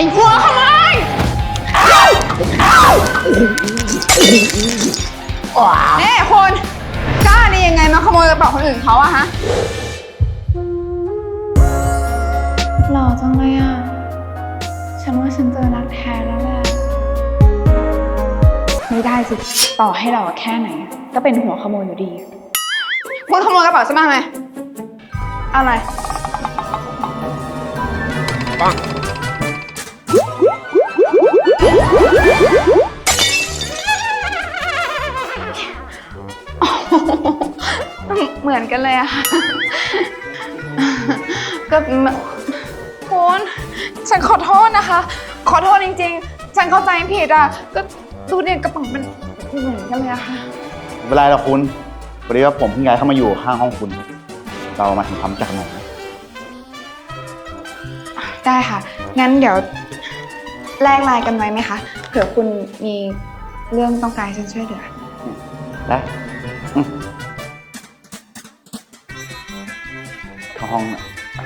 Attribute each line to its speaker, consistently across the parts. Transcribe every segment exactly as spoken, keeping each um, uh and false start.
Speaker 1: หัวขโมยนี่คุณกล้าได้ยังไงมาขโมยกระเป๋าคนอื่นเขาอะฮะหล่อจังเลยอะฉันว่าฉันเจอรักแท้แล้วแหละไม่ได้สิต่อให้เราแค่ไหนก็เป็นหัวขโมยอยู่ดีคุณขโมยกระเป๋าฉันมาไหมอะไรปังเหมือนกันเลยอะค่ะก็คุณฉันขอโทษนะคะขอโทษจริงๆฉันเข้าใจผิดอะก็ดูเนี่ยกระเป๋ามันเหมือนกันเลยอะค่ะ
Speaker 2: ไม่เป็นไรหรอกคุณพอดีว่าผมเพิ่งย้ายเข้ามาอยู่ข้างห้องคุณเรามาทำความรู้จักกันหน่อยนะ
Speaker 1: ได้ค่ะงั้นเดี๋ยวแลกไลน์กันไว้ไหมคะเผื่อคุณมีเรื่องต้องการฉันช่วยเหลือ
Speaker 2: ได้เข้าห้องน่ะ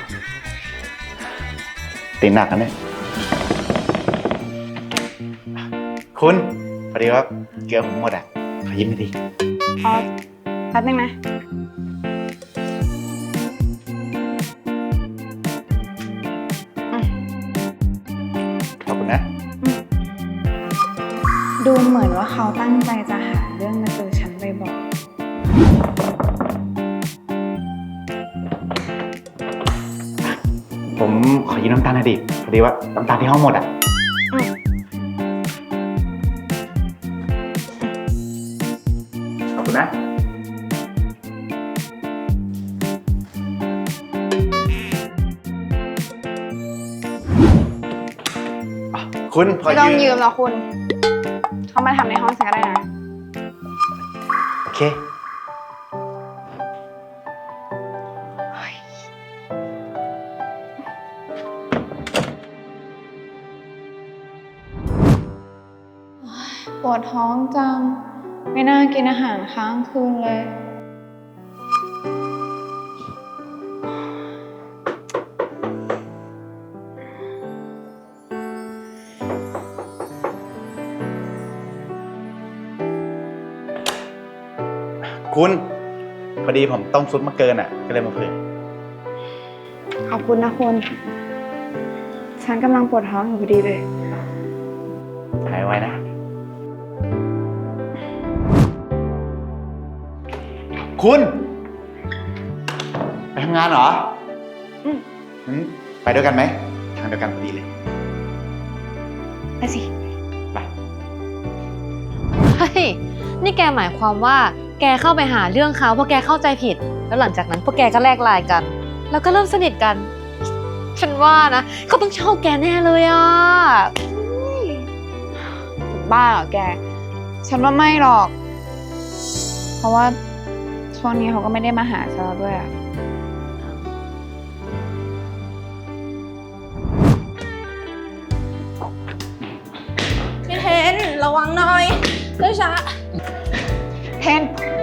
Speaker 2: ตีหนักกันเนี่ยคุณพอดีว่าเกลือผมหมดอ่ะขอยิ้มไม่ดี
Speaker 1: อ๋อแป๊บนึงนะ
Speaker 2: ขอบคุณนะ
Speaker 1: ดูเหมือนว่าเขาตั้งใจจะหาเรื่องมาเจอฉันบ่อย
Speaker 2: ๆผมขอยืมน้ำตาลหน่อยดิพอดีว่าน้ำตาลที่ห้องหมดอ่ะขอบคุณนะคุณ
Speaker 1: ไม่ต้องยืมหรอกคุณเขามาทำในห้องฉันก็ได้นะ
Speaker 2: โอเค
Speaker 1: ปวดท้องจังไม่น่ากินอาหารค้างคืนเลย
Speaker 2: คุณพอดีผมต้มซุปมาเกินอ่ะก็เลยมาเผื่อ
Speaker 1: ขอบคุณนะคุณฉันกำลังปวดท้องอยู่พอดีเลย
Speaker 2: หายไวนะคุณไปทำงานเหรออืมไปด้วยกันไหมทางเดียวกันพอดีเลย
Speaker 1: ไปสิ
Speaker 2: ไป
Speaker 3: เฮ้ยนี่แกหมายความว่าแกเข้าไปหาเรื่องเขาเพราะแกเข้าใจผิดแล้วหลังจากนั้นพวกแกก็แลกไลน์กันแล้วก็เริ่มสนิทกันฉันว่านะเขาต้องชอบแกแน่เลยอ่ะ
Speaker 1: บ้าเหรอแกฉันว่าไม่หรอกเพราะว่าช่วงนี้เขาก็ไม่ได้มาหาฉันแล้วด้วยอ่ะ
Speaker 4: พี่เทนระวังหน่อยด้วยช้า
Speaker 1: เทน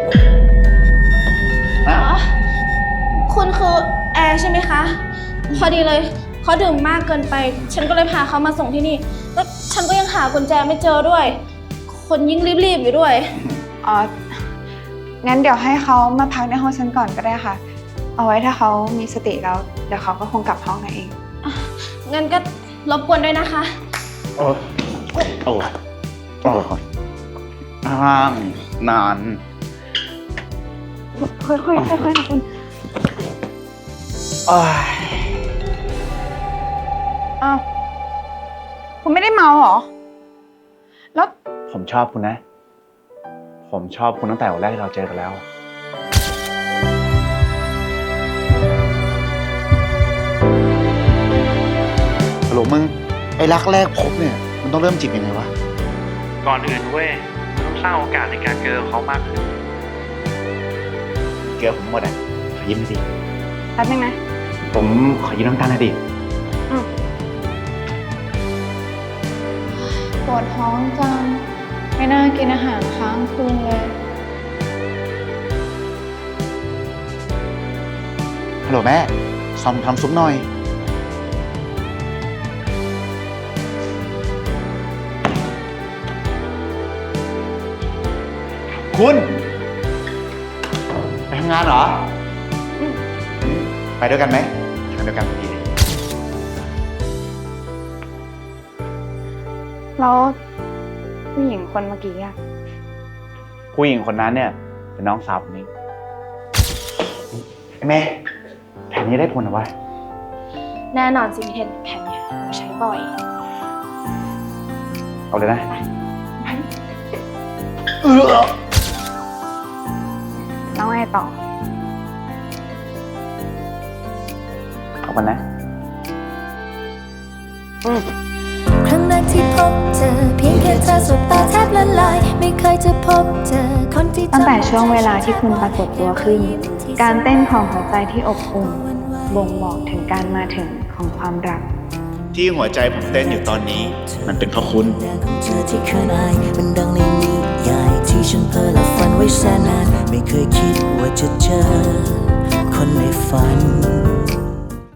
Speaker 4: คุณคือแอร์ใช่ไหมคะพอดีเลยเขาดื่มมากเกินไปฉันก็เลยพาเขามาส่งที่นี่แล้วฉันก็ยังหากุญแจไม่เจอด้วยคนยิ่งรีบๆอยู่ด้วย
Speaker 1: อ๋องั้นเดี๋ยวให้เขามาพักในห้องฉันก่อนก็ได้ค่ะเอาไว้ถ้าเขามีสติแล้วเดี๋ยวเขาก็คงกลับห้องนั่นเอง
Speaker 4: งั้นก็รบกวนด้วยนะคะ
Speaker 2: โอ้โอ้โอ้ห้างนาน
Speaker 1: ค่อยๆค่อยๆนะคุณอ้าวคุณไม่ได้เมาเหรอแล้ว
Speaker 2: ผมชอบคุณนะผมชอบคุณตั้งแต่วันแรกที่เราเจอกันแล้วฮัลโหลมึงไอ้รักแรกพบเนี่ยมันต้องเริ่มจีบยังไงวะ
Speaker 5: ก่อนอื่นเว้ยต้องสร้างโอกาสในการเจอเขามากขึ้น
Speaker 2: เกลือผมหมดอ่ะขอยิ้มดิ
Speaker 1: แป๊บนึงนะ
Speaker 2: ผมขอยืมน้ำตาลหน่อยดิ
Speaker 1: ปวดท้องจังไม่น่ากินอาหารค้างคืนเลย
Speaker 2: ฮัลโหลแม่ซอมทำซุปหน่อยคุณ ไปทำงานเหรออืมไปด้วยกันไหมทางเดียวกันพอดี
Speaker 1: แล้วผู้หญิงคนเมื่อกี้อะ
Speaker 2: ผู้หญิงคนนั้นเนี่ย เป็นน้องสาวผมเองไอ้แม่แผนนี้ได้ผลเหรอวะ
Speaker 4: แน่นอนสิพี่เทนแผนเนี่ยเราใช้บ่อย
Speaker 2: เอาเลยนะ
Speaker 1: แล้วไงต่อ
Speaker 2: เอากันนะ
Speaker 6: ครั้งแรกที่พบเจอเพียงแค่เธอสบตาแทบละลายไม่เคยจะพบเจอคนที่
Speaker 1: ตั้งแต่ช่วงเวลาที่คุณปรากฏตัวขึ้น การเต้นของหัวใจที่อบอุ่นบ่งบอกถึงการมาถึงของความรัก
Speaker 2: ที่หัวใจผมเต้นอยู่ตอนนี้ มันเป็นเพราะคุณ
Speaker 6: ของเธอที่เคยอายมันดังในนิยายที่ฉันเพ้อและฝันไว้แสนนานไม่เคยคิดว่าจะเจอคนในฝัน